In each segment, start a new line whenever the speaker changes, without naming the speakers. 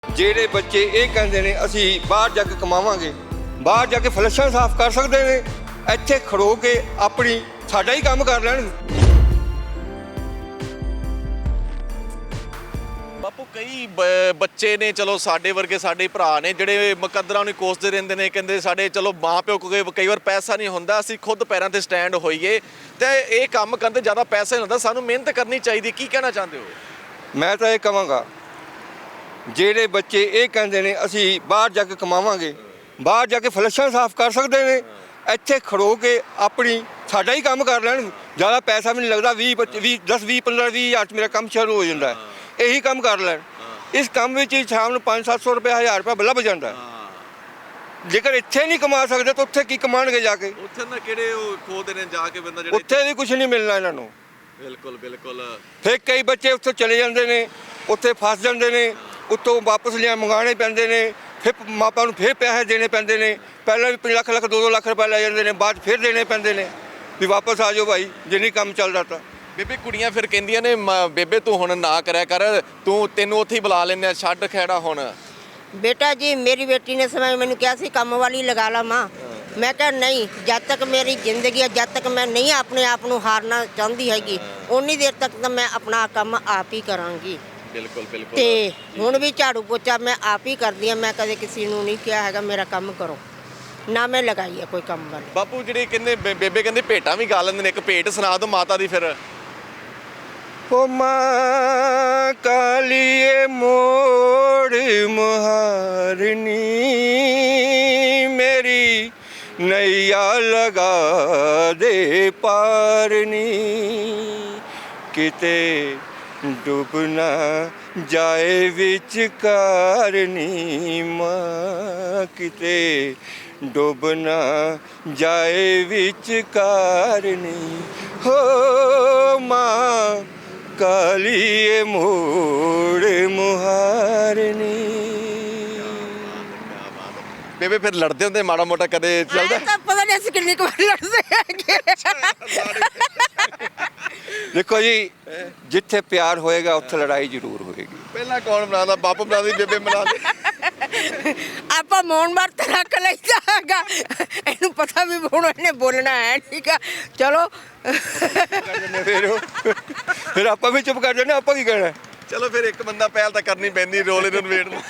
ਜਿਹੜੇ ਬੱਚੇ ਇਹ ਕਹਿੰਦੇ ਨੇ ਅਸੀਂ ਬਾਹਰ ਜਾ ਕੇ ਕਮਾਵਾਂਗੇ, ਬਾਹਰ ਜਾ ਕੇ ਫਲਸ਼ਾਂ ਸਾਫ਼ ਕਰ ਸਕਦੇ ਨੇ, ਇੱਥੇ ਖੜੋ ਕੇ ਆਪਣੀ ਸਾਡਾ ਹੀ ਕੰਮ ਕਰ ਲੈਣ।
ਬਾਪੂ ਕਈ ਬੱਚੇ ਨੇ, ਚਲੋ ਸਾਡੇ ਵਰਗੇ ਸਾਡੇ ਭਰਾ ਨੇ ਜਿਹੜੇ ਮੁਕੱਦਰਾਂ ਨੂੰ ਕੋਸਦੇ ਰਹਿੰਦੇ ਨੇ, ਕਹਿੰਦੇ ਸਾਡੇ ਚਲੋ ਮਾਂ ਪਿਓ ਕੋਲ ਕਈ ਵਾਰ ਪੈਸਾ ਨਹੀਂ ਹੁੰਦਾ, ਅਸੀਂ ਖੁਦ ਪੈਰਾਂ ਤੇ ਸਟੈਂਡ ਹੋਈਏ ਤੇ ਇਹ ਕੰਮ ਕਰਨ ਤੇ ਜ਼ਿਆਦਾ ਪੈਸਾ ਨਹੀਂ ਹੁੰਦਾ, ਸਾਨੂੰ ਮਿਹਨਤ ਕਰਨੀ ਚਾਹੀਦੀ। ਕੀ ਕਹਿਣਾ ਚਾਹੁੰਦੇ ਹੋ?
ਮੈਂ ਤਾਂ ਇਹ ਕਹਾਂਗਾ ਜਿਹੜੇ ਬੱਚੇ ਇਹ ਕਹਿੰਦੇ ਨੇ ਅਸੀਂ ਬਾਹਰ ਜਾ ਕੇ ਕਮਾਵਾਂਗੇ, ਬਾਹਰ ਜਾ ਕੇ ਫਲਸ਼ਾਂ ਸਾਫ਼ ਕਰ ਸਕਦੇ ਨੇ, ਇੱਥੇ ਖੜੋ ਕੇ ਆਪਣੀ ਸਾਡਾ ਹੀ ਕੰਮ ਕਰ ਲੈਣ। ਜ਼ਿਆਦਾ ਪੈਸਾ ਵੀ ਨਹੀਂ ਲੱਗਦਾ, 10 20 15 20 ਹਜ਼ਾਰ 'ਚ ਮੇਰਾ ਕੰਮ ਸ਼ੁਰੂ ਹੋ ਜਾਂਦਾ ਹੈ। ਇਹੀ ਕੰਮ ਕਰ ਲੈਣ। ਇਸ ਕੰਮ ਵਿੱਚ ਹੀ ਸ਼ਾਮ ਨੂੰ 500-700 ਰੁਪਏ 1000 ਰੁਪਏ ਲੱਭ ਜਾਂਦਾ। ਜੇਕਰ ਇੱਥੇ ਨਹੀਂ ਕਮਾ ਸਕਦੇ ਤਾਂ ਉੱਥੇ ਕੀ ਕਮਾਣਗੇ ਜਾ ਕੇ?
ਉੱਥੇ ਨਾ ਕਿਹੜੇ ਉਹ ਖੋਦੇ ਨੇ ਜਾ ਕੇ ਬੰਦਾ ਜਿਹੜੇ
ਉੱਥੇ ਵੀ ਕੁਝ ਨਹੀਂ ਮਿਲਣਾ ਇਹਨਾਂ ਨੂੰ।
ਬਿਲਕੁਲ ਬਿਲਕੁਲ।
ਫਿਰ ਕਈ ਬੱਚੇ ਉੱਥੇ ਚਲੇ ਜਾਂਦੇ ਨੇ, ਉੱਥੇ ਫਸ ਜਾਂਦੇ ਨੇ, ਉੱਤੋਂ ਵਾਪਸ ਲਿਆ ਮੰਗਾਉਣੇ ਪੈਂਦੇ ਨੇ, ਫਿਰ ਮਾਪਿਆਂ ਨੂੰ ਫਿਰ ਪੈਸੇ ਦੇਣੇ ਪੈਂਦੇ ਨੇ। ਪਹਿਲਾਂ ਵੀ 5 ਲੱਖ 2-2 ਲੱਖ ਰੁਪਏ ਲੈ ਜਾਂਦੇ ਨੇ, ਬਾਅਦ ਫਿਰ ਦੇਣੇ ਪੈਂਦੇ ਨੇ ਵੀ ਵਾਪਸ ਆ ਜਾਓ ਭਾਈ ਜੇ ਨਹੀਂ ਕੰਮ ਚੱਲਦਾ ਤਾਂ।
ਬੇਬੇ ਕੁੜੀਆਂ ਫਿਰ ਕਹਿੰਦੀਆਂ ਨੇ ਬੇਬੇ ਤੂੰ ਹੁਣ ਨਾ ਕਰਿਆ ਕਰ, ਤੈਨੂੰ ਉੱਥੇ ਹੀ ਬੁਲਾ ਲੈਂਦੇ ਆ, ਛੱਡ ਖੈੜਾ ਹੁਣ।
बेटा जी मेरी बेटी ने समय मैंने क्या सी काम वाली लगा ला माँ, मैं कहा नहीं, जब तक मेरी जिंदगी है, जब तक मैं नहीं अपने आप को हारना चाहती हैगी, उन्नी देर तक तो मैं अपना काम आप ही करांगी।
बिल्कुल बिल्कुल।
ते हुण भी झाड़ू पोचा मैं आप ही करदी हां, मैं कदे किसी नूं नहीं कहा हैगा मेरा काम करो, ना मैं लगाई है कोई काम वाली।
ਬਾਪੂ ਜਿਹੜੇ ਕਹਿੰਦੇ ਬੇਬੇ ਕਹਿੰਦੇ ਭੇਟਾਂ ਵੀ ਗਾ ਲੈਂਦੇ ਨੇ, ਇੱਕ ਭੇਟ ਸੁਣਾ ਦਿਓ ਮਾਤਾ ਦੀ ਫਿਰ।
ओ माँ कालिए मोड़ मुहारनी मेरी नैया लगा दे पारनी, किते डूब ना जाए विचकारनी माँ, किते डूब ना जाए विचकारनी हो माँ कालिए मोड़ मुहारनी।
ਬੇਬੇ ਫਿਰ ਲੜਦੇ ਹੁੰਦੇ ਮਾੜਾ ਮੋਟਾ ਕਦੇ ਚੱਲਦਾ?
ਤਾਂ ਪਤਾ ਨਹੀਂ ਅਸੀਂ ਕਿੰਨੀ ਕੁ ਵਾਰ ਲੜਦੇ ਹੈਗੇ।
देखो जी जिथे प्यार होएगा उत्थे लड़ाई जरूर होएगी।
ਪਹਿਲਾਂ ਕੌਣ ਬਣਾਉਂਦਾ? ਬਾਪੂ ਬਣਾਉਂਦੀ, ਬੇਬੇ ਬਣਾਉਂਦੀ।
ਆਪਾਂ ਮੌਨ ਵਰਤ ਰੱਖ ਲਈਦਾ ਹੈਗਾ, ਇਹਨੂੰ ਪਤਾ ਵੀ ਹੁਣ ਇਹਨੇ ਬੋਲਣਾ ਹੈ, ਠੀਕ ਆ ਚਲੋ।
फिर आप भी चुप कर जाने, आप की कहना।
ਚਲੋ ਫਿਰ ਇੱਕ ਬੰਦਾ ਪਹਿਲ ਤਾਂ ਕਰਨੀ ਪੈਂਦੀ ਰੋਲੇ ਨੂੰ ਨਵੇੜ ਨੂੰ।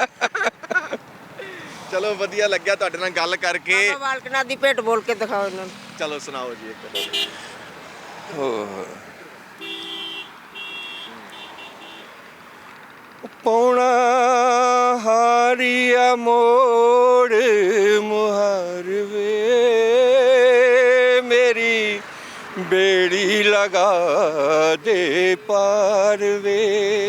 ਚਲੋ ਵਧੀਆ ਲੱਗਿਆ ਤੁਹਾਡੇ ਨਾਲ ਗੱਲ ਕਰਕੇ।
ਬਾਬਾ ਬਾਲਕ ਨਾਥ ਦੀ ਭੇਟ ਬੋਲ ਕੇ ਦਿਖਾਓ ਇਹਨਾਂ ਨੂੰ।
ਚਲੋ ਸੁਣਾਓ ਜੀ ਇੱਕ।
पौना हारिया मोड़ मुहार वे मेरी बेड़ी लगा दे पार वे,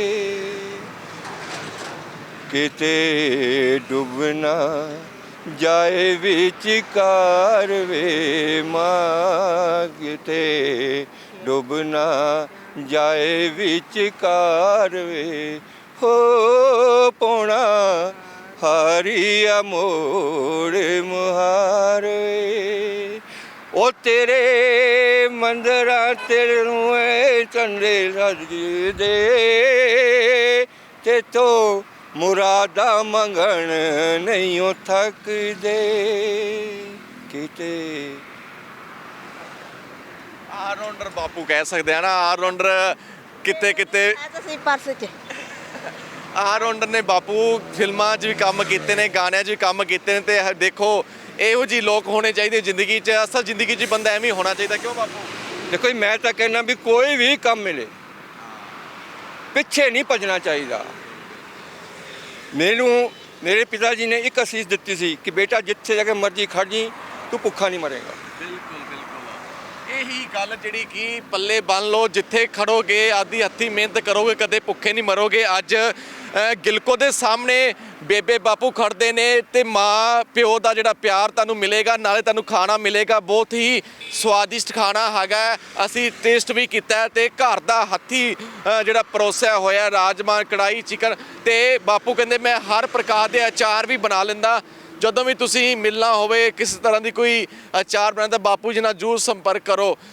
किते डूबना जाए विचकार वे माँ, किते डूबना जाए विचकार वे हो पौना हारिया मोड़ मुहार वे। ओ तेरे मंदिरा तेरे चंदे सज दे ते तो मुरादा मंगण नहीं ओ थक दे, किते
ਆਲਰਾਊਂਡਰ ਬਾਪੂ ਕਹਿ ਸਕਦੇ ਆ ਨਾ, ਆਲਰਾਊਂਡਰ ਕਿਤੇ ਕਿਤੇ
ਤੁਸੀਂ ਪਰਸ 'ਚ
ਆਲਰਾਊਂਡਰ ਨੇ ਬਾਪੂ। ਫਿਲਮਾਂ 'ਚ ਵੀ ਕੰਮ ਕੀਤੇ ਨੇ, ਗਾਣਿਆਂ 'ਚ ਵੀ ਕੰਮ ਕੀਤੇ ਨੇ, ਤੇ ਦੇਖੋ ਇਹੋ ਜਿਹੇ ਲੋਕ ਹੋਣੇ ਚਾਹੀਦੇ ਜ਼ਿੰਦਗੀ 'ਚ। ਅਸਲ ਜ਼ਿੰਦਗੀ 'ਚ ਬੰਦਾ ਐਵੇਂ ਹੀ ਹੋਣਾ ਚਾਹੀਦਾ। ਕਿਉਂ ਬਾਪੂ?
देखो मैं तो कहना भी कोई भी काम मिले पिछे नहीं भजना चाहिए। मैनू मेरे पिता जी ने एक असीस दी सी कि बेटा जिथे जाके मर्जी खड़ जी, तू भुखा नहीं मरेगा।
ਬਿਲਕੁਲ ਬਿਲकुल। ਇਹੀ ਗੱਲ ਜਿਹੜੀ ਕਿ ਪੱਲੇ ਬੰਨ ਲਓ, ਜਿੱਥੇ ਖੜੋਗੇ ਆਦੀ ਹੱਥੀ ਮਿਹਨਤ ਕਰੋਗੇ ਕਦੇ ਭੁੱਖੇ ਨਹੀਂ ਮਰੋਗੇ। ਅੱਜ ਗਿਲਕੋ ਦੇ ਸਾਹਮਣੇ ਬੇਬੇ ਬਾਪੂ ਖੜਦੇ ਨੇ ਤੇ ਮਾਂ ਪਿਓ ਦਾ ਜਿਹੜਾ ਪਿਆਰ ਤੁਹਾਨੂੰ ਮਿਲੇਗਾ, ਨਾਲੇ ਤੁਹਾਨੂੰ ਖਾਣਾ ਮਿਲੇਗਾ, ਬਹੁਤ ਹੀ ਸਵਾਦਿਸ਼ਟ ਖਾਣਾ ਹੈਗਾ। ਅਸੀਂ ਟੇਸਟ ਵੀ ਕੀਤਾ ਤੇ ਘਰ ਦਾ ਹੱਥੀ ਜਿਹੜਾ ਪਰੋਸਿਆ ਹੋਇਆ ਰਾਜਮਾ, ਕੜਾਈ, ਚਿਕਨ, ਤੇ ਬਾਪੂ ਕਹਿੰਦੇ ਮੈਂ ਹਰ ਪ੍ਰਕਾਰ ਦੇ ਅਚਾਰ ਵੀ ਬਣਾ ਲੈਂਦਾ। ਜਦੋਂ ਵੀ ਤੁਸੀਂ ਮਿਲਣਾ ਹੋਵੇ, ਕਿਸੇ ਤਰ੍ਹਾਂ ਦੀ ਕੋਈ ਅਚਾਰ ਬਣਾਉਣਾ, ਤਾਂ ਬਾਪੂ ਜੀ ਨਾਲ ਜ਼ਰੂਰ ਸੰਪਰਕ ਕਰੋ।